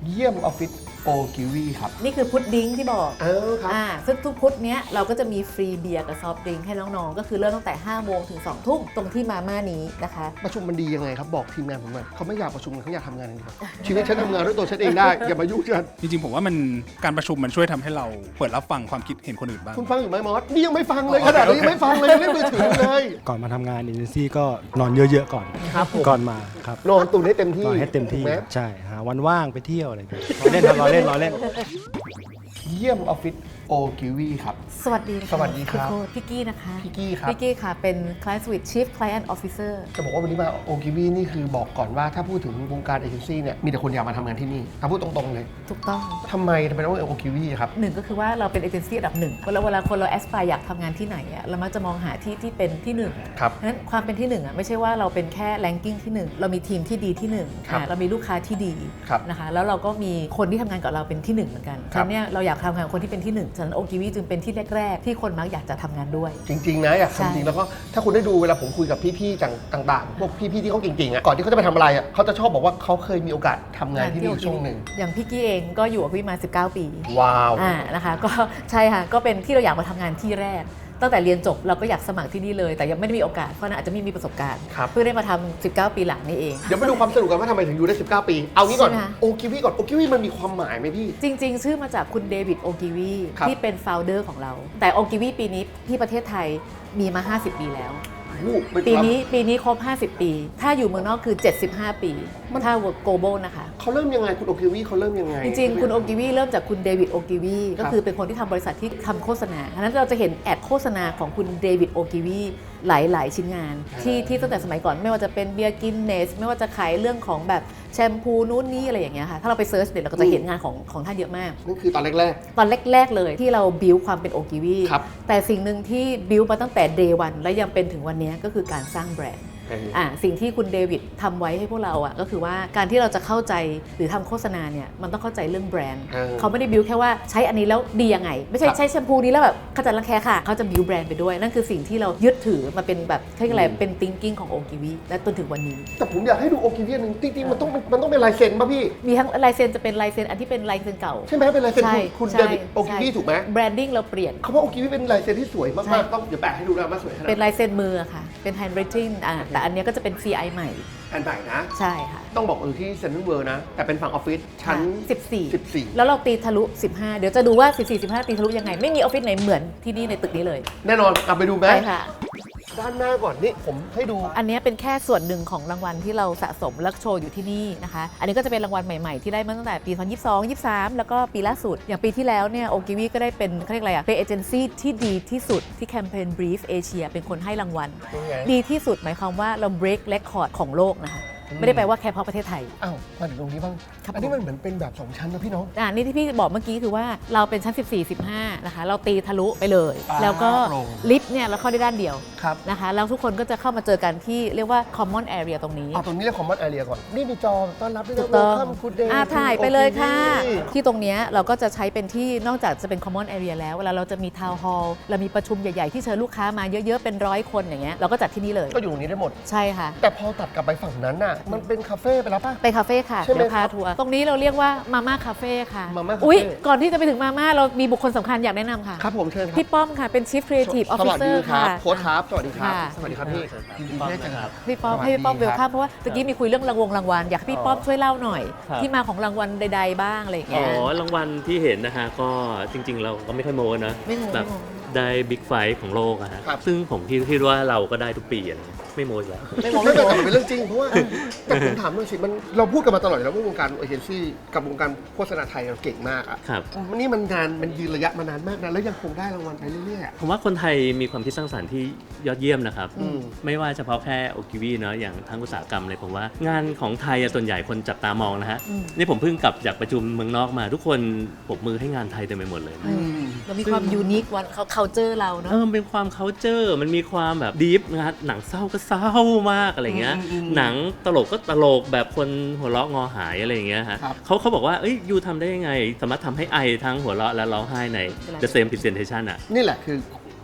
เยี่ยมออฟฟิศโอกิวีครับนี่คือพุดดิ้งที่บอกครับซึ่งทุกพุธเนี้ยเราก็จะมีฟรีเบียร์กับซอฟต์ดริงก์ให้น้องๆก็คือเริ่มตั้งแต่5 โมงถึง 2 ทุ่มตรงที่มาม่านี้นะคะประชุมมันดียังไงครับบอกทีมงานผมหน่อยเขาไม่อยากประชุมกันเขาอยากทำงานอย่างเดียวชีวิตฉันทำงานด้วยตัวฉันเองได้อย่ามายุ่งฉันจริงๆผมว่ามันการประชุมมันช่วยทำให้เราเปิดรับฟังความคิดเห็นคนอื่นบ้างคุณฟังอยู่ไหมมอสนี่ยังไม่ฟังเลยขนาดนี้ยังไม่ฟังเลยยังเล่นมือถือเลยก่อนมาทำงานเอเจนซี่ก็นอนเยอะๆก่อนครับก่อนมาครับนอนตุนให้เต็มที่นอนให้เต็มที่ใช่หาวันว่างไปเที่ยวอะไรอย่างเงี้ยรอเล่นรอเล่นเยี่ยมออฟฟิศโอกิวีครับสวัสดีสวัสดีครับพี่กี้นะคะพี่กี้ครับพี่กี้ค่ะเป็น Client Suite Chief Client Officer จะบอกว่าวันนี้มาโอกิวีนี่คือบอกก่อนว่าถ้าพูดถึงวงการเอเจนซี่เนี่ยมีแต่คนอยากมาทำงานที่นี่ถ้าพูดตรงๆเลยถูกต้องทำไมต้องเป็นโอกิวีครับหนึ่งก็คือว่าเราเป็นเอเจนซี่อันดับหนึ่งเวลาคนเราแอสไพร์อยากทำงานที่ไหนอะเรามักจะมองหาที่เป็นที่หนึ่งครับเพราะฉะนั้นความเป็นที่หนึ่งอะไม่ใช่ว่าเราเป็นแค่แรงกิ้งที่หนึ่งเรามีทีมที่ดีที่หนึ่งเรามีลูกค้าที่ดีนะคะแล้วเราก็มีคนที่ทำงานกับเราเป็นที่หนึ่งเหมือนกันฉะนั้นเนี่ยเราอยากทำงานกับคนที่เป็นที่หนึ่งฉะนั้นโอกิวีจึงเป็นที่แรกๆที่คนมักอยากจะทำงานด้วยจริงๆนะอยากทำจริงแล้วก็ถ้าคุณได้ดูเวลาผมคุยกับพี่ๆต่างๆพวกพี่ๆที่เขาเก่งๆอ่ะก่อนที่เขาจะไปทำอะไรอ่ะเขาจะชอบบอกว่าเขาเคยมีโอกาสทำงานที่นี่ช่วงหนึ่งอย่างพี่กี้เองก็อยู่กับพี่มา19 ปีว้าวนะคะก็ใช่ค่ะก็เป็นที่เราอยากมาทำงานที่แรกตั้งแต่เรียนจบเราก็อยากสมัครที่นี่เลยแต่ยังไม่ได้มีโอกาสเพราะนั้นอาจจะไม่มีประสบการณ์เพื่อได้มาทำ19 ปีหลังนี่เองเดี๋ยวมาดูความสนุกกันว่าทำไมถึงอยู่ได้19 ปีเอางี้ก่อนโอกิวีก่อนโอกิวีมันมีความหมายไหมพี่จริงๆชื่อมาจากคุณเดวิดโอกิวีที่เป็นโฟลเดอร์ของเราแต่โอกิวีปีนี้ที่ประเทศไทยมีมา50 ปีแล้วปีนี้ครบ50 ปีถ้าอยู่เมืองนอกคือ75 ปีถ้า global นะคะเขาเริ่มยังไงคุณโอกิวีเขาเริ่มยังไงจริงๆคุณโอกิวีเริ่มจากคุณเดวิดโอกิวีก็คือเป็นคนที่ทำบริษัทที่ทำโฆษณาฉะนั้นเราจะเห็นแอดโฆษณาของคุณเดวิดโอกิวีหลายชิ้นงานที่ตั้งแต่สมัยก่อนไม่ว่าจะเป็นเบียร์กินเนสไม่ว่าจะขายเรื่องของแบบแชมพูนู้นนี่อะไรอย่างเงี้ยค่ะถ้าเราไปเซิร์ชเดี๋ยวเราก็จะเห็นงานของท่านเยอะมากนั่นคือตอนแรกเลยที่เราบิวความเป็นโอกิวีแต่สิ่งหนึ่งที่บิวมาตั้งแต่เดย์วันและยังเป็นถึงวันนี้ก็คือการสร้างแบรนด์สิ่งที่คุณเดวิดทำไว้ให้พวกเราก็คือว่าการที่เราจะเข้าใจหรือทำโฆษณาเนี่ยมันต้องเข้าใจเรื่องแบรนด์เขาไม่ได้บิวแค่ว่าใช้อันนี้แล้วดียังไงไม่ใช่ใช้แชมพูนี้แล้วแบบขจัดรังแคค่ะเขาจะบิวแบรนด์ไปด้วยนั่นคือสิ่งที่เรายึดถือมาเป็นแบบเรียกอะไรเป็น thinking ของโอกิวีและจนถึงวันนี้แต่ผมอยากให้ดูโอกิวีนึงจริงๆมันต้องเป็นลายเซ็นป่ะพี่มีทั้งลายเซ็นจะเป็นลายเซ็นอันที่เป็นลายเซ็นเก่าใช่ไหมเป็นลายเซ็นคุณเดวิดโอกิวีถูกไหมแบรนดิ้งเราเปลี่ยนเขาว่าโอกิวีเป็นลายเซ็นที่สวยมากๆต้องเดี๋ยวแปะให้ดูนะว่าสวยขนาดเป็นลายเซ็นมือค่ะเป็น handwriting แต่อันนี้ก็จะเป็น CI ใหม่อันใหม่นะใช่ค่ะต้องบอกที่เซ็นทรัลเวิลด์นะแต่เป็นฝั่งออฟฟิศชั้น 14แล้วเราตีทะลุ15เดี๋ยวจะดูว่า14-15ตีทะลุยังไงไม่มีออฟฟิศไหนเหมือนที่นี่ในตึกนี้เลยแน่นอนเอาไปดูไหมใช่ค่ะด้านหน้าก่อนนี่ผมให้ดูอันนี้เป็นแค่ส่วนหนึ่งของรางวัลที่เราสะสมและโชว์อยู่ที่นี่นะคะอันนี้ก็จะเป็นรางวัลใหม่ๆที่ได้มาตั้งแต่ปี2022 23แล้วก็ปีล่าสุดอย่างปีที่แล้วเนี่ยโอกิวีก็ได้เป็นเขาเรียกอะไรเป็นเอเจนซี่ที่ดีที่สุดที่แคมเปญ Brief Asia เป็นคนให้รางวัลดีที่สุดหมายความว่าเรา break record ของโลกนะคะไม่ได้แปลว่าแค่เพราะประเทศไทยอ้าวมาถึงตรงนี้บ้างอันนี้มันเหมือนเป็นแบบ2ชั้นนะพี่น้องนี่ที่พี่บอกเมื่อกี้คือว่าเราเป็นชั้น14-15นะคะเราตีทะลุไปเลยแล้วก็ลิฟต์เนี่ยเราเข้าได้ด้านเดียวนะคะแล้วทุกคนก็จะเข้ามาเจอกันที่เรียกว่า common area ตรงนี้ตรงนี้เรียก common area ก่อนนี่มีจอต้อนรับด้วยนะ welcome good day ถ่ายไปเลยค่ะที่ตรงนี้เราก็จะใช้เป็นที่นอกจากจะเป็น common area แล้วเวลาเราจะมี town hall เรามีประชุมใหญ่ๆที่เชิญลูกค้ามาเยอะๆเป็น100 คนอย่างเงี้ยเราก็จัดที่นี่เลยก็อยู่ตรงนี้ได้หมดใช่ค่ะแต่พอตัดกลับไปฝั่งนั้นน่ะมันเป็นคาเฟ่ไปแล้วป่ะไปคาเฟ่ค่ะเดี๋ยวพาทัวร์ตรงนี้เราเรียกว่ามาม่าคาเฟ่ค่ะอุ๊ยก่อนที่จะไปถึงมาม่าเรามีบุคคลสำคัญอยากแนะนำค่ะครับผมเชิญครับพี่ป้อมค่ะเป็น Chief Creative Officer ค่ะโค้ชครับสวัสดีครับสวัสดีครับพี่ยินดีที่ได้เจอครับพี่ป้อมให้พี่ป้อมเวลคัมเพราะว่าตะกี้มีคุยเรื่องรางวัลอยากให้พี่ป้อมช่วยเล่าหน่อยที่มาของรางวัลใดๆบ้างอะไรอย่างเงี้ยรางวัลที่เห็นนะฮะก็จริงๆเราก็ไม่ค่อยโม้นะแบบได้บิ๊กไฟท์ของโลกอะฮะซึ่งผมคิดว่าเราก็ได้ทุกปีอะไม่โม้แล้วไม่โม้เป็นเรื่องจริงเพราะว่าแต่ผมถามหน่อยสิมันเราพูดกันมาตลอดแล้วว่าวงการเอเจนซี่กับวงการโฆษณาไทยเราเก่งมากอ่ะนี่มันยืนระยะมานานมากนะแล้วยังคงได้รางวัลไปเรื่อยๆผมว่าคนไทยมีความคิดสร้างสรรค์ที่ยอดเยี่ยมนะครับไม่ว่าเฉพาะแค่โอกิวีเนาะอย่างทั้งอุตสาหกรรมเลยผมว่างานของไทยส่วนใหญ่คนจับตามองนะฮะนี่ผมเพิ่งกลับจากประชุมเมืองนอกมาทุกคนปรบมือให้งานไทยเต็มไปหมดเลยเรามีความยูนิควันเขาcultureเราเนาะเป็นความcultureมันมีความแบบดีฟนะหนังเศร้าก็เศร้ามากอะไรเงี้ยหนังตลกก็ตลกแบบคนหัวเราะงอหายอะไรอย่างเงี้ยฮะเขาบอกว่ายูทำได้ยังไงสามารถทำให้ไอทั้งหัวเราะและร้องไห้ใน the same presentation อ่ะนี่แหละคือ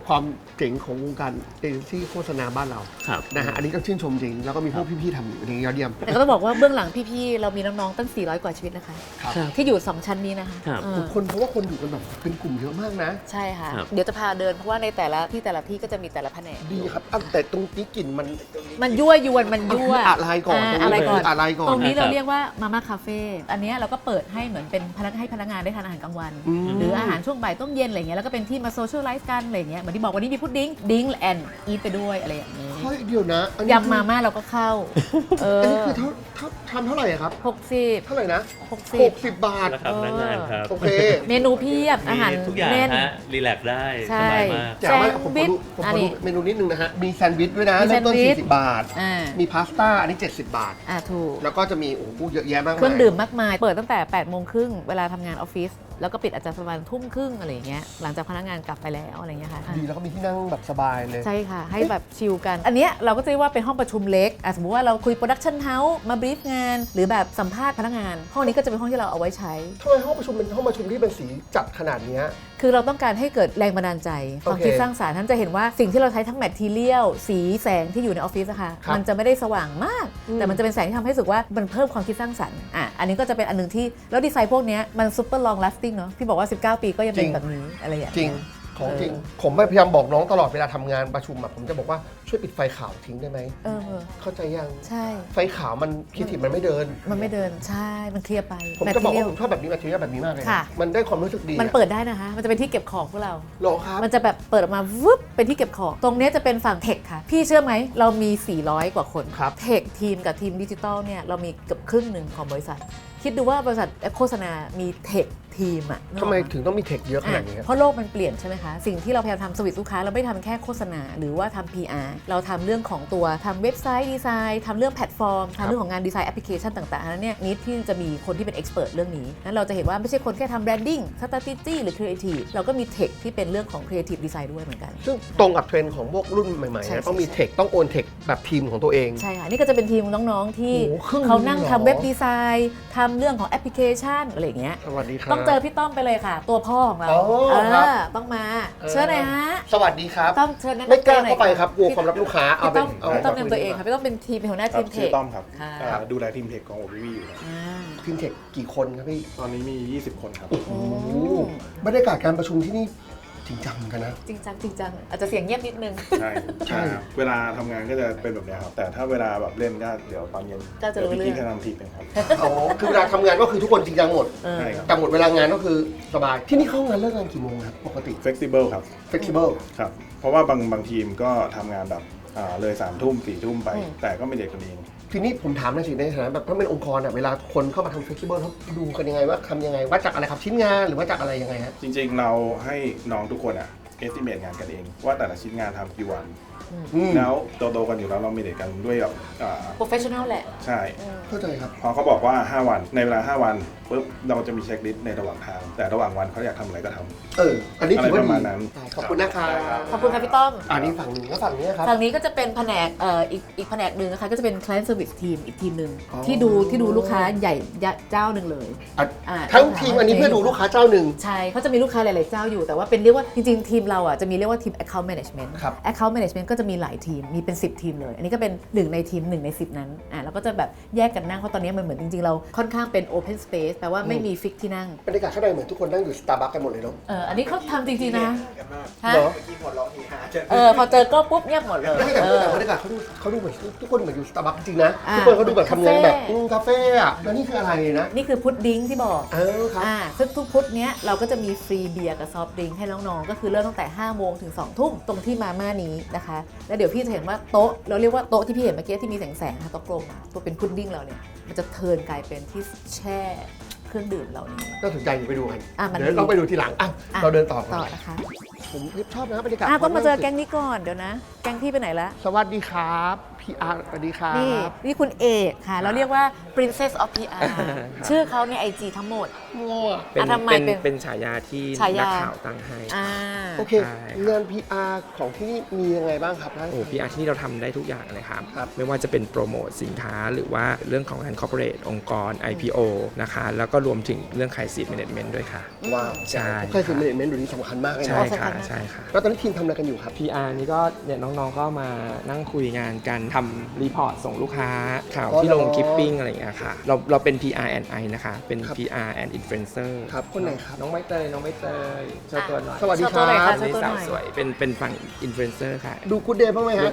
ความเจ๋งของวงการเอเจนซี่โฆษณาบ้านเราครับนะฮะอันนี้ต้องชื่นชมจริงแล้วก็มีพวกพี่ๆทำอยู่อย่างนี้ยอดเยี่ยมแต่ก็ต้องบอกว่าเบื้องหลังพี่ๆเรามีน้องๆตั้ง400 กว่าชีวิตนะคะครับที่อยู่ 2 ชั้นนี้นะคะครับคนเพราะว่าคนอยู่กันแบบเป็นกลุ่มเยอะมากนะใช่ค่ะครับเดี๋ยวจะพาเดินเพราะว่าในแต่ละที่ก็จะมีแต่ละแผนกดีครับแต่ตรงนี้กลิ่นมันมันยั่วยวนมันยั่วอะไรก่อนอะไรก่อนอะไรก่อนตรงนี้เราครับเรียกว่ามาม่าคาเฟ่อันเนี้ยเราก็เปิดให้เหมือนเป็นให้พนักงานได้ทานอาหารกลางวันอืมหรืออาหารช่วงบ่ายต้มเย็นอะไรเงี้ยแล้วก็เป็นที่มาโซเชียลไลฟ์กันอะไรเงี้ยเหมือนที่บอกวันนี้มีพุดดิ้งแอนอีทไปด้วยอะไรอย่างนี้เฮ้ยเดี๋ยวนะอันนี้ยำมาม่าเราก็เข้าอันนี้คือทำเท่าไหร่อะครับ 60 เท่าไหร่นะ 60 60 บาทราคาพนักงานครับโอเคเมนูเพียบอาหารมีทุกอย่างแน่นฮะรีแลกซ์ได้ใช่สบายมากแต่ว่าผมขอดูอันนี้เมนูนิดนึงนะฮะ มีแซนด์วิชด้วยนะมีแซเริ่นมด์ต้นวิช 40 บาทอ่ามีพาสต้าอันนี้ 70 บาทถูกแล้วก็จะมีโอ้โหเยอะแยะมากมายเครื่องดื่มมากมาย เปิดตั้งแต่8 โมงครึ่งเวลาทำงานออฟฟิศแล้วก็ปิดอาจจะประมาณทุ่มครึ่งอะไรอย่างเงี้ยหลังจากพนักงานกลับไปแล้วอะไรอย่างเงี้ยค่ะดีแล้วก็มีที่นั่งแบบสบายเลยใช่ค่ะ ให้แบบชิลกัน อันเนี้ยเราก็จะเรียกว่าเป็นห้องประชุมเล็กสมมติว่าเราคุยโปรดักชันเฮาส์มาบรีฟงาน หรือแบบสัมภาษณ์พนักงาน ห้องนี้ก็จะเป็นห้องที่เราเอาไว้ใช้ทำไมห้องประชุมเป็นห้องประชุมที่เป็นสีจัดขนาดเนี้ยคือเราต้องการให้เกิดแรงบันดาลใจความโอเคคิดสร้างสรรค์ท่านจะเห็นว่าสิ่งที่เราใช้ทั้งแมททีเรียลสีแสงที่อยู่ในออฟฟิศอะค่ะครับมันจะไม่ได้สว่างมากอืมแต่มันจะเป็นแสงที่ทำให้รู้สึกว่ามันเพิ่มความคิดสร้างสรรค์อันนี้ก็จะเป็นอันนึงที่แล้วดีไซน์พวกเนี้ยมันซูเปอร์ลอง lasting เนาะพี่บอกว่า 19 ปีก็ยังเป็นแบบนี้อะไรอย่างจริเงี้งยของจริง ผมพยายามบอกน้องตลอดเวลาทำงานประชุมอะผมจะบอกว่าช่วยปิดไฟขาวทิ้งได้ไหม เข้าใจยังใช่ไฟขาวมันคิดถิมันไม่เดินมันไม่เดินใช่มันเคลียร์ไปผมจะบอกว่า material ผมชอบแบบนี้แมทเทียลแบบนี้มากเลยนะค่ะมันได้ความรู้สึกดีมันเปิดได้นะคะ มันจะเป็นที่เก็บของพวกเราหรอครับมันจะแบบเปิดออกมาวึบเป็นที่เก็บของ ตรงเนี้ยจะเป็นฝั่งเทคค่ะ พี่เชื่อไหม เรามี 400 กว่าคนครับเทคทีมกับทีมดิจิตอลเนี่ยเรามีเกือบครึ่งหนึ่งของบริษัท คิดดูว่าบริษัทโฆษณา มีเทคทีมอะทำไมถึงต้องมีเทคเยอะขนาดนี้เพราะโลกมันเปลี่ยนใช่ไหมคะ สิ่งที่เราพยายามทำสวิตลูกค้าเราไม่ทำแค่โฆษณา หรือว่าทำ PR เราทำเรื่องของตัวทำเว็บไซต์ดีไซน์ทำเรื่องแพลตฟอร์มทำเรื่องของงานดีไซน์แอปพลิเคชันต่างๆนั้นเนี่ยนิดที่จะมีคนที่เป็นเอ็กซ์เพรสเรื่องนี้นั้นเราจะเห็นว่าไม่ใช่คนแค่ทำแบรนดิ้งสตรัทจี้หรือครีเอทีฟเราก็มีเทคที่เป็นเรื่องของครีเอทีฟดีไซน์ด้วยเหมือนกันซึ่งตรงกับเทรนด์ของพวกรุ่นใหม่ๆใช่นะต้องมีเทคต้องโอนเทคแบบทีมของตัวเองใช่ค่ะ นี่ก็จะเป็นทีมน้องๆที่โอ้โหครึ่งเขานั่งหนึ่งเหรอทำเว็บดีไซน์ทำเรื่องของแอปพลิเคชันอะไรอย่างเงี้ยสวัสดีครับต้องเจอพี่ต้อมไปเลยค่ะ ตัวพ่อของเราอ๋อครับต้องมาเชิญหน่อยฮะสวัสดีครับต้อมเชิญแนะนำไม่กล้าตัวหน่อยเข้าไปครับกลัวความลับลูกค้าเอาพี่เป็ต้นอมเอาพี่ต้อมแนะนำตัวเองค่ะพี่ต้อมเป็นทีมเป็นหัวหน้าครัทีบมเทชื่อคต้อมครับค่ะดูแลทีมเทคของ OVV อยู่ครับอ่าทีมเทคกี่คนครับพี่ตอนนี้มี 20 คนครับโอ้โหบรรยากาศการประชุมที่นี่จริงจังเหมือนกันนะจริงจังอาจจะเสียงเงียบนิดนึงใช่ใช่ครับเวลาทำงานก็จะเป็นแบบเนี้ยครับ แต่ถ้าเวลาแบบเล่นก็เดี๋ยวตอนเย็นก็จะรู้เดี๋ยวพี่เรื่องกิ๊กจะทำทีเป็นครับอ๋อคือเวลาทำงานก็คือทุกคนจริงจังหมดใช่ครับแต่หมดเวลางานก็คือสบายที่นี่เข้างานเลิกงานกี่โมงครับปกติ flexible ครับ flexible ครับ เพราะว่าบางทีมก็ทำงานแบบเลย3 ทุ่ม4 ทุ่มไป แต่ก็ไม่เด็กกันเองทีนี้ผมถามหน่อยสิในฐานะแบบถ้าเป็นองค์กรอะเวลาคนเข้ามาทำ flexible เขาดูกันยังไงว่าทำยังไงว่าจากอะไรครับชิ้นงานหรือว่าจากอะไรยังไงฮะจริงๆ เราให้น้องทุกคนestimate งานกันเอง ว่าแต่ละชิ้นงานทำกี่วันอืมแล้วโตๆกันอยู่แล้วเรามีเด็กกันด้วยแบบ professional แหละใช่เข้าใจครับพอเขาบอกว่า 5 วันในเวลา 5 วันปุ๊บเราจะมีเช็คลิสต์ในระหว่างทาง แต่ระหว่างวันเขาอยากทำอะไรก็ทำอันนี้ถือว่าอะไรประดีมาณนั้นขอบคุณนะครับขอบคุณค่ะพี่ต้อมอันนี้ฝั่งหนึ่งแล้วฝั่งนี้ครับฝั่งนี้ก็จะเป็นแผนกอีกแผนกหนึ่งนะคะก็จะเป็น client service team อีกทีมหนึ่งอ๋อที่ดูลูกค้าใหญ่เจ้าหนึ่งเลยทั้งทีมอันนี้เพื่อดูลูกค้าเจ้าหนึ่งใช่เขาจะมีลูกค้าหลาย ๆ เจ้าอยู่แต่ว่าเป็นเรียกว่าจริง ๆ ทีมเราอ่ะจะมีเรียกว่าทีม account management ครับ account management ก็จะมีหลายทีมมีเป็น 10 ทีมเลย อันนี้ก็เป็น1ในทีม1ใน10 นั้นแล้วก็จะแบบแยกกันนั่งเพราะตอนนี้มันเหมือนจริง ๆ เราค่อนข้างเป็น open space แปลว่าไม่มีฟิกที่นั่งบรรยากาศข้างในเหมือนทุกคนนั่งอยู่สตาร์บัคกันหมดเลยเนาะอันนี้เขาทำจริง ๆ นะฮะเหรอพอเจอก็ปุ๊บเงียบหมดเลยไม่แต่บรรยากาศเขาดูเหมือนทุกคนเหมือนอยู่สตาร์บัคจริงนะทุกคนเขาดูแบบทำงานแบบคาเฟ่อะแล้วนี่คืออะไรนะนี่คือพุดดิ้งที่บอกครับซึ่งทุกพุธเนี้ยเราก็จะมีฟรีเบียร์กับซอฟต์ดริงก์ให้น้องๆ ก็คือเริ่มตั้งแต่ 5 โมงถึง 2 ทุ่มตรงที่มาม่านี้นะคะ แล้วเดี๋ยวพี่จะเห็นว่าโต๊ะเราเรียกว่าโต๊ะที่พี่เห็นเมื่อกี้ที่มีแสงๆค่ะโต๊ะกลมอะตัวเป็นพุดดิ้งเราเนี่ยมันจะเทิร์นกลายเป็นที่แช่เครื่องดื่มเหล่านี้น่าสนใจอยู่ไปดูกันมันเดี๋ยวเราไปดูทีหลังเราเดินต่อต่อนะคะผมชอบนะบรรยากาศต้องมาเจอแก๊งนี้ก่อนเดี๋ยวนะแก๊งก๊งพี่ไปไหนแล้วสวัสดีครับพี่อาร์สวัสดีครับนี่คุณเอกค่ะ เราเรียกว่า Princess of PR ชื่อเขาใน IG ทั้งหมดเป็นทำไมเป็นเป็นฉายาที่ฉายานักข่าวตั้งให้โอเคใช่งาน PR ของที่นี่มียังไงบ้างครับโอ้ PR ที่นี่เราทำได้ทุกอย่างเลยครับครับไม่ว่าจะเป็นโปรโมทสินค้าหรือว่าเรื่องของงาน corporate องค์กร IPO นะคะ แล้วก็รวมถึงเรื่อง crisis management ด้วยค่ะว้าวใช่ใช่คือเมนเมนต์ดูนี้สำคัญมากเลยใช่เนาะค่ะ ใช่ค่ะแล้วตอนนี้ทีมทำอะไรกันอยู่ครับ PR นี่ก็เนี่ยน้องๆก็มานั่งคุยงานกันทำรีพอร์ตส่งลูกค้าข่าวอ๋อที่ลงเหรอคลิปปิ้งอะไรอย่างเงี้ยค่ะ เราเป็น PR and I นะคะ เป็นครับ PR and Influencer ครับคนไหนครับน้องใบเตยโชว์ตัวหน่อยสวัสดีโชว์ตัวหน่อยคค่ะรับโชว์ตัวหน่อยสวยเป็นฝั่ง Influencer ค่ะดูกูดเดย์บ้างไหมฮะ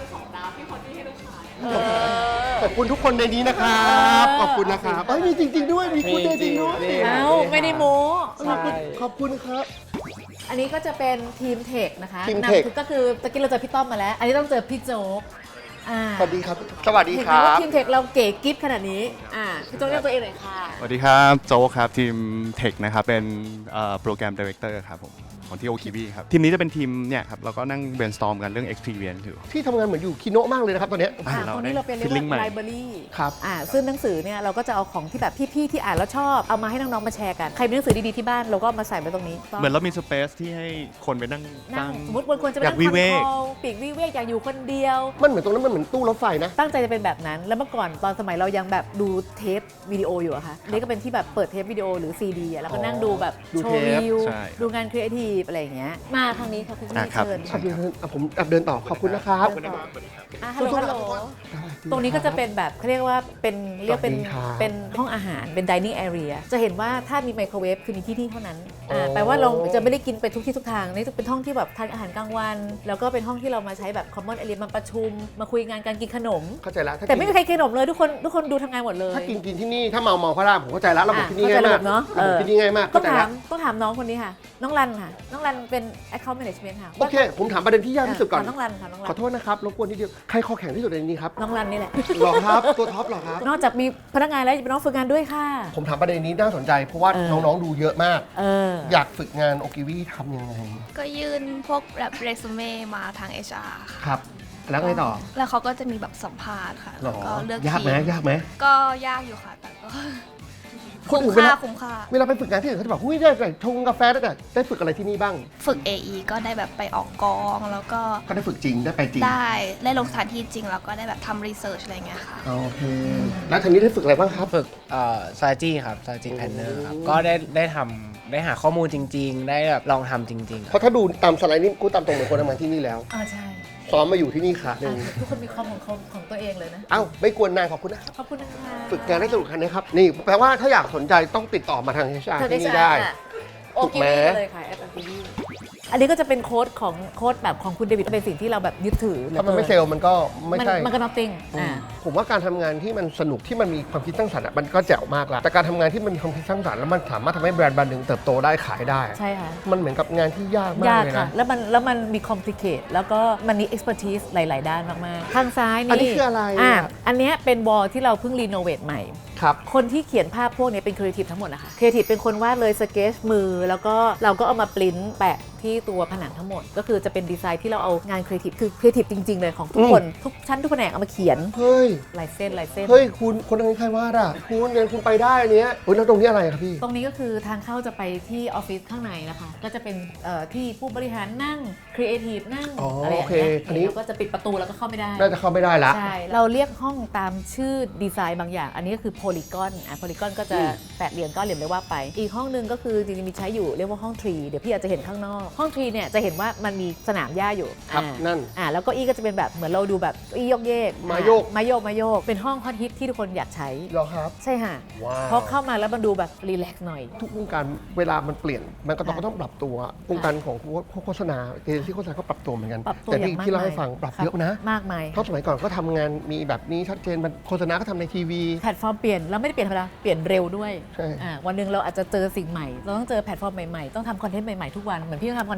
ขอบคุณทุกคนในนี้นะครับ ขอบคุณนะครับเอ้ยมีจริง ๆ ด้วย มีกูดเดย์จริงด้วยนี่เอ้าไม่ได้โม้ขอบคุณขอบคุณครับอันนี้ก็จะเป็นทีมเทคนะคะทีมนำเทคก็คือตะกี้เราเจอพี่ต้อมมาแล้ว อันนี้ต้องเจอพี่โจ๊กสวัสดีครับ สวัสดีเห็นคไหมรัว่าบทีมเทคเราเก๋กิ๊บขนาดนี้พี่โจ๊กเรียกตัวเองหน่อยค่ะสวัสดีครับโจ๊กครับทีมเทคนะครับเป็นโปรแกรมดีเรคเตอร์ครับผมของที่โอคิวีครับทีมนี้จะเป็นทีมเนี่ยครับเราก็นั่ง brainstorm กันเรื่อง experience อยู่ที่ทำงานเหมือนอยู่คิโนะมากเลยนะครับตอนเนี้ยตรงนี้เราเป็นเรียก feeling ใหม่ว่า library ครับซึ่งหนังสือเนี่ยเราก็จะเอาของที่แบบพี่ๆที่อ่านแล้วชอบเอามาให้น้องๆมาแชร์กันใครมีหนังสือดีๆที่บ้านเราก็มาใส่ไว้ตรงนี้เหมือนเรามี space ที่ให้คนไปนั่งนั่ตั้งงสมมติบางคนจะไปอยานั่กงวิเวกคอนโทรลปีกวิเวกอยากอยู่คนเดียวมันเหมือนตรงนั้นมันเหมือนตู้รถไฟนะตั้งใจจะเป็นแบบนั้น แล้วเมื่อก่อนตอนสมัยเรายังแบบดูเทปวิดีโออยู่อะค่ะนี่ก็เป็นที่แบบเปิดเทปวิดีโอหรือซีดีอะแล้วก็นั่งดูแบบดูโชเทว์ปวิวใช่ดูงานครีเอทีฟอะไรอย่างเงี้ยมาทางนี้ค่ะคุณพี่ครับเชิญผมเดินต่อขอบคุณนะครับเดินต่อฮัลโหลฮัลโหลตรงนี้ก็จะเป็นแบบเขาเรียกว่าเป็นเรียกเป็นสวัสดีครับเป็นห้องอาหารเป็น dining area จะเห็นว่าถ้ามีไมโครเวฟคือมีที่นี่เท่านั้นอ๋อแปลว่าเราจะไม่ได้กินไปทุกที่ทุกทางนี่เป็นห้องที่แบบทานอาหารกลางวัน แล้วก็เป็นห้องที่เรามาใช้แบบ common area มาประชุมมาคุยงานการกินขนมเข้าใจแล้วถ้าแต่ไม่กิมีนใครกินขนมเลยทุกคนดูทำงานหมดเลยถ้ากินที่นี่ถ้าเมาพระรามผมเข้าใจแล้วระบบที่นี่เข้าใจง่ายระมาบกบเนาะระบบที่นี่ง่ายมากต้เข้าองใจถาแล้วมต้องถามน้องคนนี้ค่ะ น้องรันค่ะน้องรันเป็น account management ค่ะโอเค ผมถามประเด็นที่ยากที่สุดก่อนน้องรันค่ะน้องรัขอน โทษนะครับรบกวนนิดเดียวใครคอแข็งที่สุดในนี้ครับน้องรันนี่แหละหรอครับตัวท็อปหรอครับนอกจากมีพนักงานแล้วยังเป็นน้องฝึกงานด้วยค่ะผมถามประเด็นนี้น่าสนใจเพราะว่าเออน้องๆดูเยอะมากอยากฝึกงานโอกิวีทำยังไงก็ยื่นพวกแบบเรซูเม่มาทาง HR ค่ะครับ แล้วไงต่อแล้วเขาก็จะมีแบบสัมภาษณ์ค่ะหรแล้วอก็เลือกยากทีไหมยากไหมก็ยากอยู่ค่ะ แต่ก็คนคุ้อื่มนเวค่าลาคุ้มค่าเวลาไปฝึกงานที่อื่นเขาจะบอกหุ้ยได้แต่ชงกาแฟได้แต่ได้ฝึกอะไรที่นี่บ้างฝึก AE ก็ได้แบบไปออกกอง แล้วก็ก็ได้ฝึกจริงได้ไปจริงได้ลงสถานที่จริง แล้วก็ได้แบบทำรีเสิร์ชอะไรเงี้ยค่ะโอเค แล้วทางนี้ได้ฝึกอะไรบ้างครับฝึกstrategy ครับ strategy planner ครับ ก็ได้ทำได้หาข้อมูลจริง ๆ ได้แบบลองทำจริง ๆเพราะถ้าดูตามสไลด์นี่กูตามตรงเหมือนคนทำงานที่นี่แล้วใช่ซ้อมมาอยู่ที่นี่ค่ะหนึ่งทุกคนมีคอมของตัวเองเลยนะเอ้าไม่กวนนายขอบคุณนะขอบคุณนะคะฝึกงานได้สนุกคันนะครับ นี่แปลว่าถ้าอยากสนใจต้องติดต่อมาทาง HR ที่นี่ได้โอถูกกิไหมวีเลยค่ะแอปโอกิวีอันนี้ก็จะเป็นโค้ดแบบของคุณเดวิดเป็นสิ่งที่เราแบบยึดถือถ้ามันไม่เซลล์มันก็ไม่ใช่มันก็ nothing ผมว่าการทำงานที่มันสนุกที่มันมีความคิดสร้างสรรค์อะมันก็แจ๋วมากแล้วแต่การทำงานที่มันมีความคิดสร้างสรรค์แล้วมันสามารถทำให้แบรนด์หนึ่งเติบโตได้ขายได้ใช่ค่ะมันเหมือนกับงานที่ยากมากยากเลยค่ะนะแล้วมันมี complicate แล้วก็มันมี expertise หลาย ๆ ด้านมาก ๆ ทางซ้ายนี่อันนี้คืออะไรอ่ะอันเนี้ยเป็นวอลที่เราเพิ่งรีโนเวทใหม่ครับคนที่เขียนภาพพวกนี้เป็นครีเอทีฟทั้งหมดนะคะครีเอทีฟเป็นคนวาดเลยสเกจมือ แล้วก็เราก็เอามาปริ้นแปะที่ตัวผนังทั้งหมด ก็คือจะเป็นดีไซน์ที่เราเอางานครีเอทีฟคือครีเอทีฟจริง ๆ เลยของทุกคนทุกชั้นทุกแผนกเอามาเขียนเฮ้ยลายเส้นเฮ้ยคุณคนนั้นใครวาดอ่ะคุณเดินคุณไปได้อันเนี้ยเฮ้ยแล้วตรงนี้อะไรครับพี่ตรงนี้ก็คือทางเข้าจะไปที่ออฟฟิศข้างในนะคะ ก็จะเป็นที่ผู้บริหารนั่งครีเอทีฟนั่งอ๋ออะไรอย่างโอเคเงี้ยอันนี้แล้วก็จะปิดประตูแล้วก็เข้าไม่ได้น่าจะเข้าไม่ได้ละใช่ เราเรียกห้องตามชื่อดีไซน์บางอย่าง อันนี้ก็คือโพลีกอนโพลีกอนก็จะแปดเหลี่ยมก้อนเหลี่ยมเลยว่าไป อีกห้องหนึงก็คือจริงๆมีใช้อยู่เรียกว่าห้องทรีเดี๋ยวพี่อาจจะเห็นข้างนอก ห้องทรีเนี่ยจะเห็นว่ามันมีสนามหญ้าอยู่ครับนั่นแล้วก็อี้ก็จะเป็นแบบเหมือนเราดูแบบอี้โยกเยกมาโยกมาโยกเป็นห้องฮอตฮิตที่ทุกคนอยากใช้เหรอครับใช่ค่ะว้าวเพราะเข้ามาแล้วมันดูแบบรีแลกซ์หน่อยทุกวงการเวลามันเปลี่ยนมันก็ต้องปรับตัววงการของโฆษณาเอเจนซี่โฆษณาก็ปรับตัวเหมือนกันปรับตัวแต่อย่างมากที่เล่าให้ฟังปรับครับเยอะนะมากมายเพราะสมัยก่อนก็ทำงานมีแบบนี้ชัดเจนมันโฆษณาก็ทำในทีวีแพลตฟอร์มเปลี่ยนเราไม่ได้เปลี่ยนธรรมดาเปลี่ยนเร็วด้วยใช่วันหนึ่งเราอาจจะเจอสิ่งใหม่เราต้องเจอแพลตฟอร์มใหม่ๆต้องทำคอนเทนต์ใหม่ๆทุกวันเหมือนพี่ต้องทำคอนเทนต์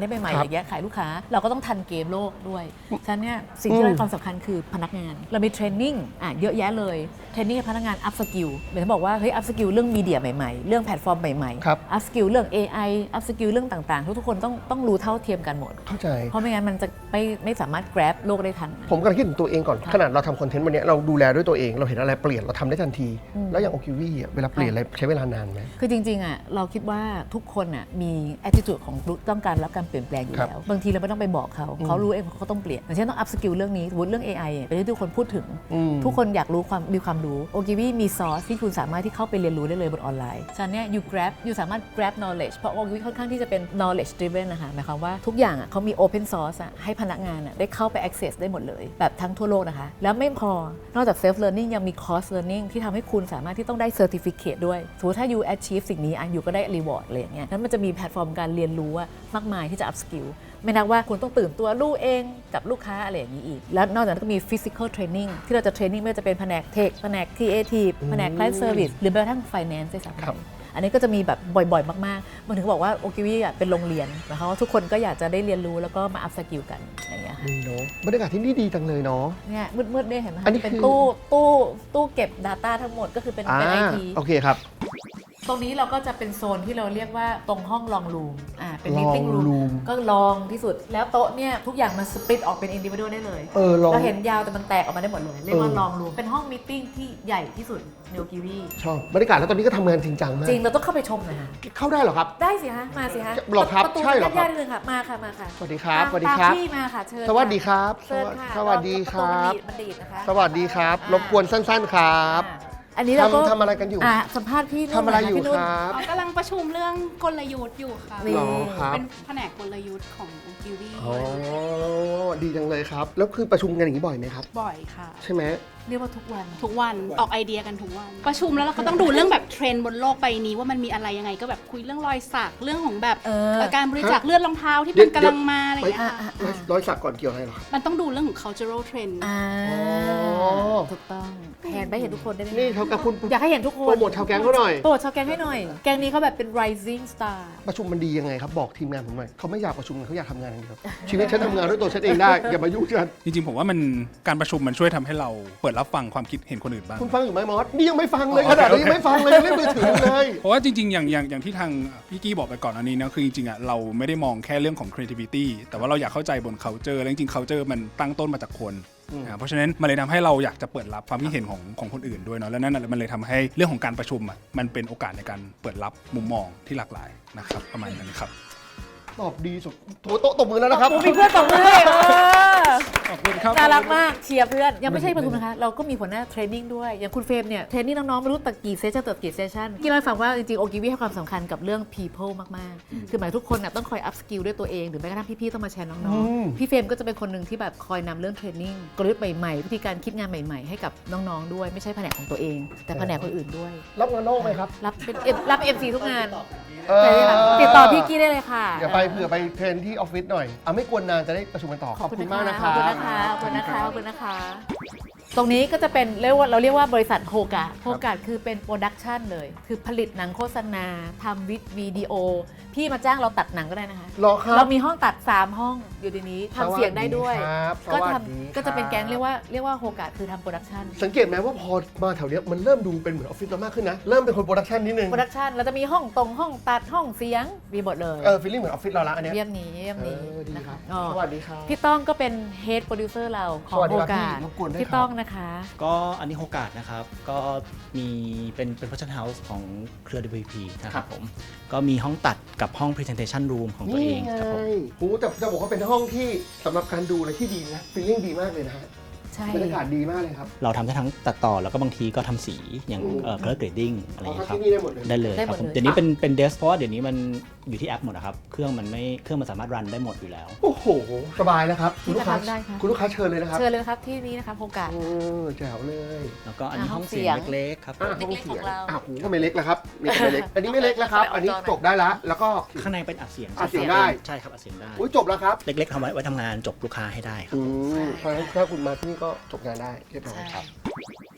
อะไรใหม่ๆอย่างเงี้ยขายลูกค้าเราก็ต้องทันเกมโลกด้วยฉะนั้นเนี่ยสิ่งที่เราให้ความสำคัญคือพนักงานเรามีเทรนนิ่งเยอะแยะเลยเทรนนิ่งให้พนักงานอัพสกิลเหมือนบอกว่าเฮ้ยอัพสกิลเรื่องมีเดียใหม่ๆเรื่องแพลตฟอร์มใหม่ๆอัพสกิลเรื่อง AI อัพสกิลเรื่องต่างๆทุกคนต้องรู้เท่าเทียมกันหมดเข้าใจเพราะไม่งั้นมันจะไม่สามารถ grab โลกได้ทันผมกำลังคิดถึงตัวเองก่อนขนาดเราทำคอนเทนต์วันนี้เราดูแลด้วยตัวเองเราเห็นอะไรเปลี่ยนเราทำได้ทันทีแล้วอย่างโอคิวี่เวลาเปลี่ยนอะไรใช้เวลานานไหมคือจริงๆเราคิดว่าทุกคนมี attitude ของต้องการรับการเปลี่ยนแปลงอยู่แล้วบางทีเราไม่ต้องไปบอกเขารู้เองเขาต้องเปลี่ยนอย่างเช่นต้อง up skill เรื่องนี้เรื่อง AI เป็นที่ทุกคนพูดถึงทุกคนอยากรู้มีความรู้โอคิวี่มีซอสที่คุณสามารถที่เข้าไปเรียนรู้ได้เลยบนออนไลน์ฉะนั้นเนี่ย youสามารถ grab knowledge เพราะโอคิวี่ค่อนข้างที่จะเป็น knowledge driven นะคะหมายความว่าทุกอย่างเขามี open source ให้พนักงานได้เข้าไป access ได้หมดเลยแบบทั้งทั่วโลกนะคะแล้วไม่พอนอกจาก self learning ยังมี cross learning ที่ทำให้คุณสามารถที่ต้องได้ certificate ด้วยสมมติถ้า you achieve สิ่งนี้you ก็ได้ reward อะไรอย่างเงี้ยนั้นมันจะมีแพลตฟอร์มการเรียนรู้มากมายที่จะ up skill ไม่นับว่าคุณต้องตื่นตัวรู้เองกับลูกค้าอะไรอย่างนี้อีกแล้วนอกจากนั้นก็มี physical training ที่เราจะ training ไม่ว่าจะเป็นแผนก tech แผนก creative แผนก client service หรือแม้กระทั่ง finance ด้วยซ้ำอันนี้ก็จะมีแบบบ่อยๆมากๆมันถึงบอกว่าโอคิวี่เป็นโรงเรียนนะคะว่าทุกคนก็อยากจะได้เรียนรู้แล้วก็มา up skill กันอย่างเงี้ยค่ะบรรยากาศที่นี่ดีจังเลยเนาะเนี่ยมืดๆเนี่ยเห็นไหมคะเป็นตู้เก็บ data ทั้งหมดก็คือเป็น IT โอเคครับตรงนี้เราก็จะเป็นโซนที่เราเรียกว่าตรงห้องลองรูมเป็น meeting room ก็ลองที่สุดแล้วโต๊ะเนี่ยทุกอย่างมันสปลิตออกเป็น individual ได้เลยเราเห็นยาวแต่มันแตกออกมาได้หมดเลยเรียกว่าลองรูมเป็นห้อง meeting ที่ใหญ่ที่สุดในโอคิวี่ชอบบรรยากาศแล้วตอนนี้ก็ทำงานจริงจังมากจริงเราต้องเข้าไปชมนะฮะเข้าได้เหรอครับได้สิฮะมาสิฮะหรอครับใช่หรอครับเลยค่ะมาค่ะสวัสดีครับสวัสดีครับพี่มาค่ะเชิญสวัสดีครับสวัสดีครับสวัสดีครับรบกวนสั้นๆครับอันนี้เราก็ทำอะไรกันอยู่สัมภาษณ์พี่ทำอะไรอยู่ครับกำลังประชุมเรื่องกลยุทธ์อยู่ค่ะเป็นแผนกกลยุทธ์ของโอคิวี่ดีจังเลยครับแล้วคือประชุมกันอย่างนี้บ่อยไหมครับบ่อยค่ะใช่ไหมเรียกว่าทุกวันออกไอเดียกันทุกวันประชุมแล้วเราก็ต้องดูเรื่องแบบเทรนด์บนโลกใบนี้ว่ามันมีอะไรยังไงก็แบบคุยเรื่องรอยสักเรื่องของแบบการบริจาคเลือดรองเท้าที่มันกำลังมาอะไรอย่างเงี้ยรอยสักก่อนเกี่ยวอะไรหรอครับมันต้องดูเรื่องของ cultural trend ถูกต้องแทนไปเห็นทุกคนได้ไหมนี่เขากับคุณอยากให้เห็นทุกคนโปรโมทชาวแก๊งเขาหน่อยโปรโมทชาวแก๊งให้หน่อยแก๊งนี้เขาแบบเป็น rising star ประชุมมันดียังไงครับบอกทีมงานผมหน่อยเขาไม่อยากประชุมเขาอยากทำงานอย่างเดียวชีวิตฉันทำงานด้วยตัวฉันเองได้อย่ามายุ่งกันจริงๆผมว่ามันการประชุมมันช่วยทำให้เราเปิดรับฟังความคิดเห็นคนอื่นบ้างคุณฟังอยู่ไหมมอสนี่ยังไม่ฟังเลยขนาดนี้ยังไม่ฟังเลยเล่นมือถือเลยเพราะว่าจริงๆอย่างที่ทางพี่กี้บอกไปก่อนอันนี้นะคือจริงๆเราไม่ได้มองแค่เรื่องของ creativity แต่ว่าเราอยากเข้าใจบน culture และจริงๆ culture มันตั้งต้นมาจากคนเพราะฉะนั้นมันเลยทำให้เราอยากจะเปิดรับความคิดเห็นของคนอื่นด้วยเนาะแล้วนั่นมันเลยทำให้เรื่องของการประชุมมันเป็นโอกาสในการเปิดรับมุมมองที่หลากหลายนะครับประมาณนั้นครับตอบดีสุดโถโต๊ะตบมือแล้วนะครับมีเพื่อนตบมือเลยขอบคุณครับน่ารักมากเชียร์เพื่อนยังไม่ใช่ประชุมนะคะเราก็มีหัวหน้าเทรนนิ่งด้วยอย่างคุณเฟรมเนี่ยเทรนนิ่งน้องๆไม่รู้ตักกี่เซสชั่นกี่เซสชั่นที่เราฟังว่าจริงๆโอคิวี่ให้ความสำคัญกับเรื่อง people มากๆคือหมายทุกคนต้องคอย up skill ด้วยตัวเองหรือแม้กระทั่งพี่ๆต้องมาแชร์น้องๆพี่เฟรมก็จะเป็นคนหนึ่งที่แบบคอยนำเรื่องเทรนนิ่งกลยุทธ์ใหม่ๆวิธีการคิดงานใหม่ๆให้กับน้องๆด้วยไม่ใช่แผนกของตัวเองแต่แผนกคนอื่นด้วยรับงานนอกไหมครับรับ MC ทุกงานติดต่อพี่กี้ได้เลยค่ะเดี๋ยวไปเผื่อไปเทรนที่ออฟฟิศหน่อยไม่กวนนานจะได้ประชุมกันต่อขอบคุณมากนะคะขอบคุณนะคะตรงนี้ก็จะเป็นเราเรียกว่าบริษัทโฮกาคือเป็นโปรดักชันเลยคือผลิตหนังโฆษณาทำวิดีโอพี่มาจ้างเราตัดหนังก็ได้นะคะเรามีห้องตัด3ห้องอยู่ในนี้ทำเสียงได้ด้วยก็จะเป็นแก๊งเรียกว่าโฮกาคือทำโปรดักชันสังเกตไหมว่าพอมาแถวนี้มันเริ่มดูเป็นเหมือนออฟฟิศเรามากขึ้นนะเริ่มเป็นคนโปรดักชันนิดนึงโปรดักชันเราจะมีห้องตัดห้องเสียงมีหมดเลยฟีลลิ่งเหมือนออฟฟิศเราละอันนี้เยี่ยมนี้นะคะสวัสดีครับพี่ต้องก็เป็นเฮดโปรดิวเซอร์เราของโฮกาพี่ต้องนะคะก็อันนี้โฮกานะครับก็มีเป็นโปรดักชั่นเฮาส์ของเครือ WPP นะครับผมก็มีห้องตัดกับห้อง presentation room ของตัวเองครับผมจะบอกว่าเป็นห้องที่สำหรับการดูอะไรที่ดีนะฟีลลิ่งดีมากเลยนะฮะบรรยากาศดีมากเลยครับเราทำได้ทั้งตัดต่อแล้วก็บางทีก็ทำสีอย่างcolor grading อะไรอย่างเงี้ยครับได้เลยครับผมเดี๋ยวนี้เป็นเดสเพราะว่าเดี๋ยวนี้มันอยู่ที่แอปหมดนะครับเครื่องมันสามารถรันได้หมดอยู่แล้วโอ้โหสบายแล้วครับคุณลูกค้าเชิญเลยนะครับเชิญเลยครับที่นี้นะครับโอกาสแจ๋วเลยแล้วก็อันนี้ห้องเสียงเล็กๆครับห้องเสียงก็ไม่เล็กแล้วครับไม่เล็กอันนี้ไม่เล็กแล้วครับอันนี้จบได้แล้วก็ข้างในเป็นอัดเสียงได้ใช่ครับอัดเสียงได้จบแล้วครับเล็กๆทำไว้ทำงานจบลูกค้าให้ได้ครับเพราะฉะนั้นถ้าคุณมาที่นี่ก็จบงานได้เรียบร้อยครับ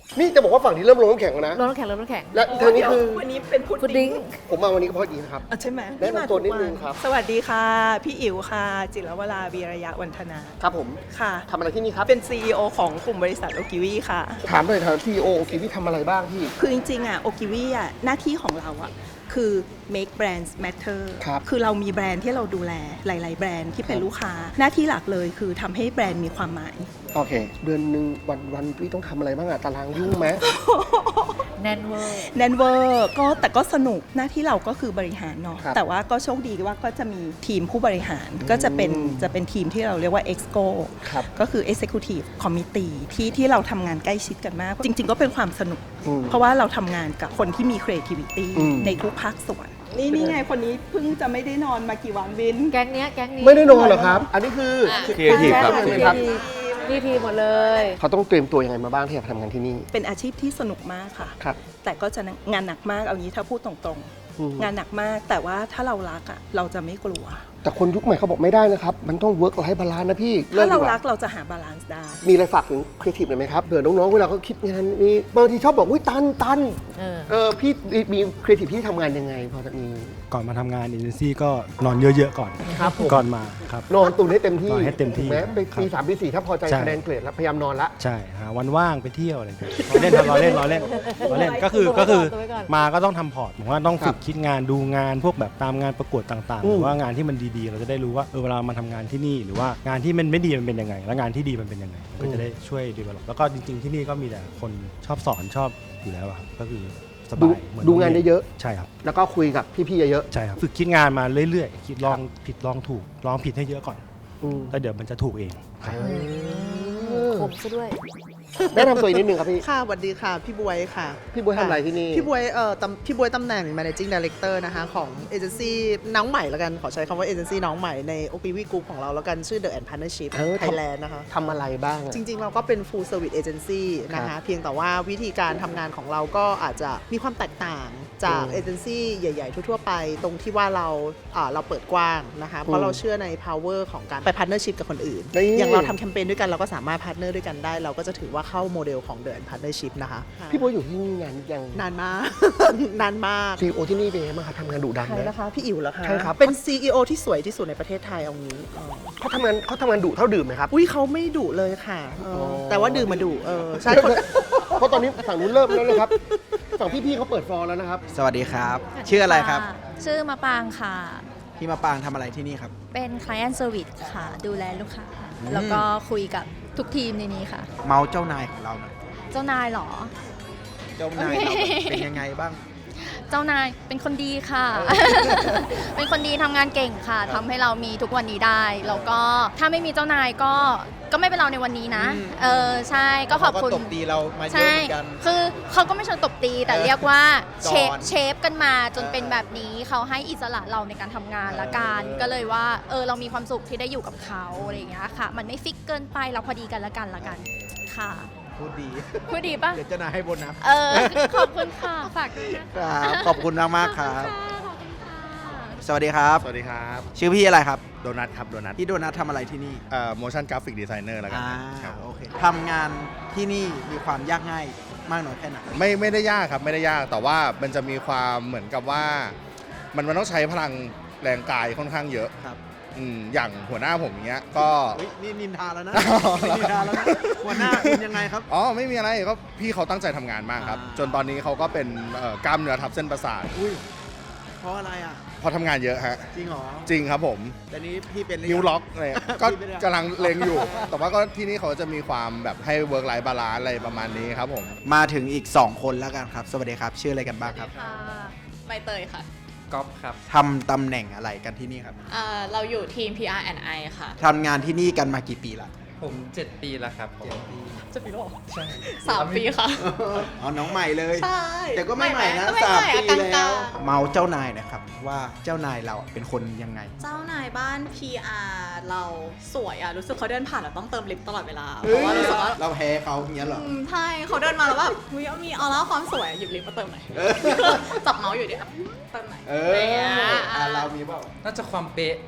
นี่จะบอกว่าฝั่งนี้เริ่มลงน้ำแข็งแล้วนะลงน้ำแข็งและเธอนี่คือวันนี้เป็นพุดพุดดิ้ดิ้งงผมมาวันนี้ก็เพราะดีนะครับใช่ไหมแนะนำตัวนิดนึงครับสวัสดีค่ะ พี่อิ๋วค่ะ จิรวราวีระยะวันธนาครับผมค่ะทำอะไรที่นี่ครับเป็น CEO ของกลุ่มบริษัทโอกิวีค่ะถามหน่อยทาง CEO โอกิวิทำอะไรบ้างพี่คือจริงๆโอกิวีหน้าที่ของเราคือ make brands matter ครับคือเรามีแบรนด์ที่เราดูแลหลายๆแบรนด์ที่เป็นลูกค้า หน้าที่หลักเลยคือทำให้แบรนด์มีความหมายโอเค เดือนหนึ่งวันพี่ต้องทำอะไรบ้างตารางยุ่งไหมแน่นเวอร์แนนเวอร์ก็แต่ก็สนุกหน้าที่เราก็คือบริหารเนาะครับแต่ว่าก็โชคดีว่าก็จะมีทีมผู้บริหารก็จะเป็นทีมที่เราเรียกว่า EXCO ครับก็คือ Executive Committee ที่เราทำงานใกล้ชิดกันมาก จริง ๆ ก็เป็นความสนุกอืมเพราะว่าเราทำงานกับคนที่มี creativity อืมในทุกภาคส่วน นี่ไงคนนี้เพิ่งจะไม่ได้นอนมากี่วันวินแก๊งนี้ไม่ได้นอนเหรอครับ อันนี้คือ Creative ครับครับนี่ทีหมดเลยเขาต้องเตรียมตัวยังไงมาบ้างที่จะทำงานที่นี่เป็นอาชีพที่สนุกมากค่ะครับแต่ก็จะงานหนักมากเอางี้ถ้าพูดตรงอืมๆ งานหนักมากแต่ว่าถ้าเรารักเราจะไม่กลัวแต่คนยุคใหม่เขาบอกไม่ได้นะครับ มันต้อง work life balance นะพี่ถ้าเราดีกว่รักเราจะหาบาลานซ์ได้มีอะไรฝากถึงครีเอทีฟหน่อยไหมครับเผื่อน้องๆเวลาเขาคิดงานมีบางทีชอบบอกอุ้ยตันพี่มีครีเอทีฟที่ทำงานยังไงพอจะมีก่อนมาทำงานเอเจนซี่ก็นอนเยอะๆก่อนครับผมก่อนมาครับนอนตุนให้เต็มที่นอนให้เต็มที่ถูกไหมไปครับปี3ปี4ถ้าพอใจใช่คะแนนเกรดแล้วพยายามนอนละใช่หาวันว่างไปเที่ยวอะไรอย่างเงี้ยเราเล่นครับเราเล่นก็คือมาก็ต้องทำพอร์ตผมว่าต้องฝึกคิดงานดูงานพวกแบบตามงานประกวดต่างๆหรือว่างานที่มันดีๆ เราจะได้รู้ว่าเวลามาทำงานที่นี่หรือว่างานที่มันไม่ดีมันเป็นยังไง แล้วงานที่ดีมันเป็นยังไงก็จะได้ช่วยดีเวลลอปแล้วก็จริงๆที่นี่ก็มีแต่คนชอบสอนชอบอยู่แล้วอะครับก็คือสบายเหมือนดูงานได้เยอะใช่ครับแล้วก็คุยกับพี่ๆเยอะใช่ครับฝึกคิดงานมาเรื่อยๆคิดลองผิดลองถูกลองผิดให้เยอะก่อนอืมแล้วเดี๋ยวมันจะถูกเองครับคมซะด้วยแนะนำตัวอีกนิดนึงครับพี่ค่ะสวัสดีค่ะ พี่บวยค่ะพี่บ๊วยทำอะไรที่นี่พี่บวยพี่บวยตำแหน่ง managing director นะคะของเอเจนซี่น้องใหม่แล้วกัน ขอใช้คำว่าเอเจนซี่น้องใหม่ใน OPV Group ของเราแล้วกันชื่อ The and Partnership Thailand นะคะทำอะไรบ้างอะจริง ๆ เราก็เป็น full service agency นะคะเพียงแต่ว่าวิธีการทำงานของเราก็อาจจะมีความแตกต่างจากเอเจนซี่ใหญ่ ๆ ทั่ว ๆ ไป ตรงที่ว่าเราเปิดกว้างนะคะเพราะเราเชื่อใน power ของการไป partnership กับคนอื่น อย่างเราทำแคมเปญด้วยกันเราก็สามารถ partner ด้วยกันได้ เราก็จะถือว่าเข้าโมเดลของ The and Partnership นะคะพี่บ๊วยอยู่ที่นี่นานยังนานมาก นานมาก CEO ที่นี่เป็นไงบ้างครับทำงานดุดันใครไหมนะคะพี่อิ๋วเหรอคะใช่ครับเป็น CEO ที่สวยที่สุดในประเทศไทยเอางี้เขาทำงานดุเท่าดื่มไหมครับอุ้ยเขาไม่ดุเลยค่ะแต่ว่าดื่มมาดุใช่คนเพราะตอนนี้ฝั่งนู้นเริ่มแล้วนะครับฝั่งพี่ๆเขาเปิดฟอร์แล้วนะครับสวัสดีครับ ชื่ออะไรครับชื่อมะปางค่ะพี่มาปางทำอะไรที่นี่ครับเป็น Client Service ค่ะ ดูแลลูกค้า แล้วก็คุยกับทุกทีมในนี้ค่ะเมาเจ้านายของเราหน่อยเจ้านายเหรอเจ้านายเราเป็นยังไงบ้างเจ้านายเป็นคนดีค่ะ เป็นคนดีทำงานเก่งค่ะทำให้เรามีทุกวันนี้ได้ แล้วก็ถ้าไม่มีเจ้านายก็ไม่เป็นเราในวันนี้นะ ใช่ก็ขอบคุณเขาก็ตบตีเรามาเยอะใช่เหมือนกันคือเขาก็ไม่เชิงตบตีแต่เรียกว่าสอนเชฟกันมาจนเป็นแบบนี้เขาให้อิสระเราในการทำงานละกันก็เลยว่าเรามีความสุขที่ได้อยู่กับเขาอะไรอย่างเงี้ยค่ะ มันไม่ฟิกเกินไปเราพอดีกันละกันค่ะพูดดีพูดดีปะเดี๋ยวเจ้านายให้โบนัสขอบคุณค่ะฝากด้วยนะคะครับขอบคุณมากๆครับ สวัสดีครับสวัสดีครับชื่อพี่อะไรครับโดนัทครับ โดนัทพี่โดนัททำอะไรที่นี่ motion graphic designer แล้วกันครับโอเคทำงานที่นี่มีความยากง่ายมากน้อยแค่ไหนไม่ได้ยากครับ ไม่ได้ยาก แต่ว่ามันจะมีความเหมือนกับว่า มันต้องใช้พลังแรงกายค่อนข้างเยอะครับอย่างหัวหน้าผมอย่างเงี้ย ก็นี่นินทาแล้วนะ นินทาแล้วนะหัวหน้าคุณยังไงครับอ๋อ ไม่มีอะไร ก็พี่เขาตั้งใจทำงานมากครับ จนตอนนี้เขาก็เป็นกล้ามเนื้อทับเส้นประสาทอุ้ย เพราะอะไรอ่ะเพราะทำงานเยอะฮะจริงเหรอจริงครับผมแต่นี้พี่เป็นนิ้วล็อกอะไรก็กำลังเลงอยู่ แต่ว่าก็ที่นี่เขาจะมีความแบบให้ work life balance อะไรประมาณนี้ครับผมมาถึงอีก 2 คนแล้วกันครับ สวัสดีครับ ชื่ออะไรกันบ้างครับใบเตยค่ะก๊อฟครับทำตำแหน่งอะไรกันที่นี่ครับเราอยู่ทีม PR&I ค่ะทำงานที่นี่กันมากี่ปีละผม 7 ปีแล้วครับ7 ปีจะปีแล้วเหรอใช่ 3 ปีค่ะอ๋อ น้องใหม่เลยใช่แต่ก็ไม่ใหม่นะก็ไม่ใหม่ 3 ปีกลางๆแล้ว เมาเจ้านายนะครับ ว่าเจ้านายเราเป็นคนยังไงเจ้านายบ้าน PR เราสวยอะรู้สึกเขาเดินผ่านเราต้องเติมลิปตลอดเวลา เพราะว่ารู้สึกว่าเราแพ้เขาอย่างเงี้ยเหรอใช่เขาเดินมาแล้วแบบเฮ้ยมีออร่าความสวยหยิบลิปมาเติมหน่อยจับเมาส์อยู่ดิเติมหน่อยเรามีเปล่าน่าจะความเป๊ะ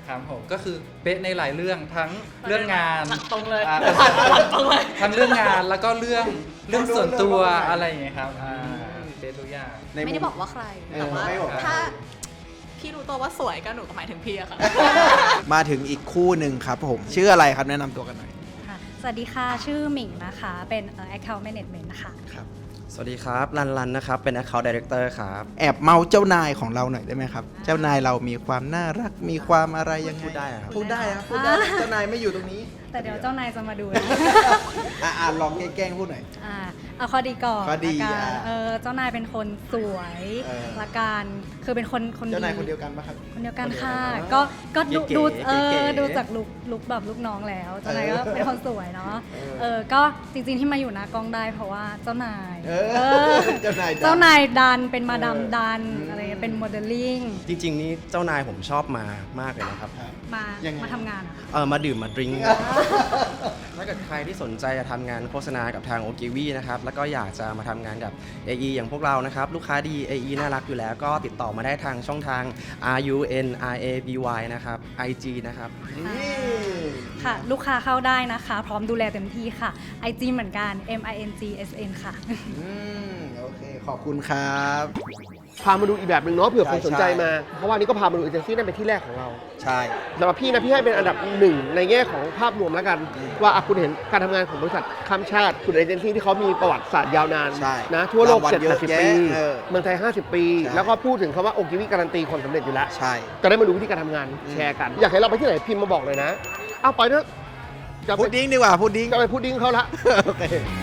ครับผมก็คือเป๊ะในหลายเรื่องทั้งเรื่องงานตรงเลยทั้งเรื่องงานแล้วก็เรื่องส่วนตัวอะไรอย่างเงี้ยครับเป๊ะทุกอย่างไม่ได้บอกว่าใครแต่ว่าถ้าพี่รู้ตัวว่าสวยก็หนูก็หมายถึงพี่อะค่ะมาถึงอีกคู่หนึ่งครับผมชื่ออะไรครับแนะนำตัวกันหน่อยสวัสดีค่ะชื่อหมิงนะคะเป็น Account Management ค่ะสวัสดีครับรันนะครับเป็น Account Director ครับแอบเมาเจ้านายของเราหน่อยได้ไหมครับเจ้านายเรามีความน่ารักมีความอะไรยังไงพูดได้ครับพูดได้ครับพูดได้เจ้านายไม่อยู่ตรงนี้แต่เดี๋ยวเจ้านายจะมาดูนะลองแกล้งพูดหน่อยเอาข้อดีก่อนข้อดีละกันเจ้านายเป็นคนสวยละกันคือเป็นคนดีเจ้านายคนเดียวกันปะครับคนเดียวกันค่ะก็ดูเก๋ๆดูจากลุกแบบลูกน้องแล้วเจ้านายก็เป็นคนสวยเนาะก็จริงๆที่มาอยู่หน้ากล้องได้เพราะว่าเจ้านายเจ้านายดันเป็นมาดามดันอะไรเป็นโมเดลลิ่งจริงๆนี่เจ้านายผมชอบมามากเลยนะครับมาทำงานมาดื่มมาดริงก์ ถ้าเกิดใครที่สนใจจะทำงานโฆษณากับทางโอกิวีนะครับแล้วก็อยากจะมาทำงานกับ AE อย่างพวกเรานะครับลูกค้าดี AE น่ารักอยู่แล้วก็ติดต่อมาได้ทางช่องทาง RUNRABY นะครับ IG นะครับค่ะลูกค้าเข้าได้นะคะพร้อมดูแลเต็มที่ค่ะ IG เหมือนกัน MINGSN ค่ะโอเคขอบคุณครับพามาดูอีกแบบหนึ่งเนาะเผื่อคนสนใจมา เพราะว่านี่ก็พามาดูเอเจนซี่นั่นเป็นที่แรกของเราใช่สำหรับพี่นะพี่ให้เป็นอันดับหนึ่งในแง่ของภาพรวมแล้วกัน ว่าคุณเห็นการทำงานของบริษัทข้ามชาติคุณเอเจนซี่ที่เขามีประวัติศาสตร์ยาวนานนะทั่วโลก 70-80 ปีเมืองไทย 50 ปี แล้วก็พูดถึงคำว่าโอกิวิการันตีความสำเร็จอยู่แล้วใช่จะได้มาดูวิธีการทำงานแชร์กันอยากให้เราไปที่ไหนพิมพ์มาบอกเลยนะเอาไปเถอะพุดดิ้งดีกว่าพุดดิ้งจะไปพุดดิ้งเขาละโอเค